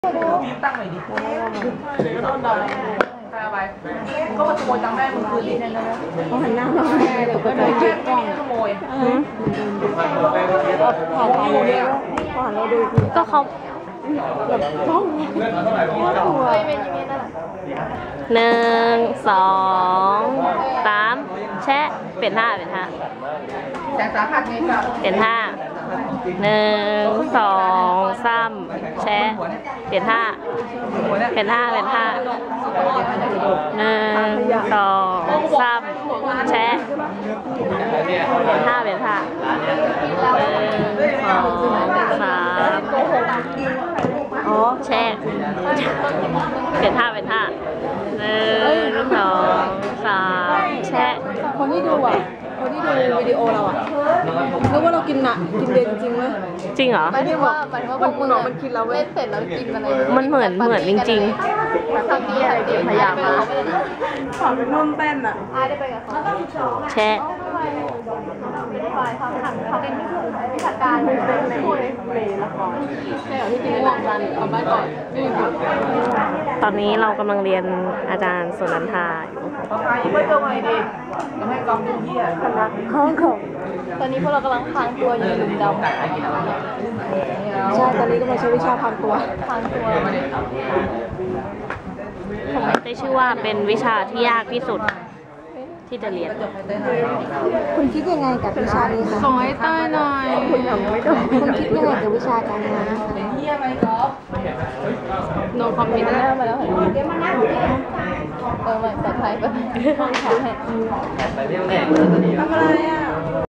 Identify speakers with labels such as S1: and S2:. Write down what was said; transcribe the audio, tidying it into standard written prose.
S1: ตั้งหน่อยดิโดนด่าตาไปก็มาขโมยตังค์แม่มึงคืนดิเขาหันหน้ามาแม่เดี๋ยวก็จะเก็บกล้องขโมยผ่านเราเดียวผ่านเราดู
S2: ก็เขา
S1: แบบท้อง
S2: หนึ่งสองสามแชะเปลี่ยนท่า
S1: แสงสาหัสไงครับ
S2: เปลี่ยนท่าหนึ่งสองสามแชะเปลี่ยนท่าหนึ่งสองสามแชะเปลี่ยนท่าหนึ่งสองสามแชะเปลี่ยนท่าหนึ่งสองสามแชะ
S1: คนที่ดูวิดีโอเราอ่ะนึกว่าเรากินเด่นจริงไหม
S2: จริงเหรอ
S1: หมายถึงว่าพวกมึงมันกินเราเล่นเสร็จแล้วกินอะไร
S2: มันเหมือนจริง
S1: ๆทำดีอะไรดีพยายามมาขอเป็นนุ่มเต้นอ่ะได้ไปกับเขา
S2: แชะ
S1: เขาเป็นวิชาการเลยละครใช่เหรอที่จริงวงการทำได้ก่อน
S2: ตอนนี้เรากำลังเรียนอาจารย์สุนันทาอยู่
S1: ไม่ต้องไงดิจะให้กองดูที่คณะห้องของตอนนี้พวกเรากำลังพางตัวอยู่หลุมดำใช่ตอนนี้ก็มาใช้วิชาพางตัว
S2: ได้ชื่อว่าเป็นวิชาที่ยากที่สุดที่จะเรียน
S3: คุณคิดยังไงกับวิชานี้คะ
S1: ส่งให้ใต้หน่อยคุณยังไม่ได้
S3: คุณคิดยังไงกับวิชาการงานนะคะ
S1: เฮียไหมก๊อฟโนคอมเมนต์ได้มาแล้วเดี๋ยวมานั่งไม่ปลอดภัยไปทำอะไรอ่ะ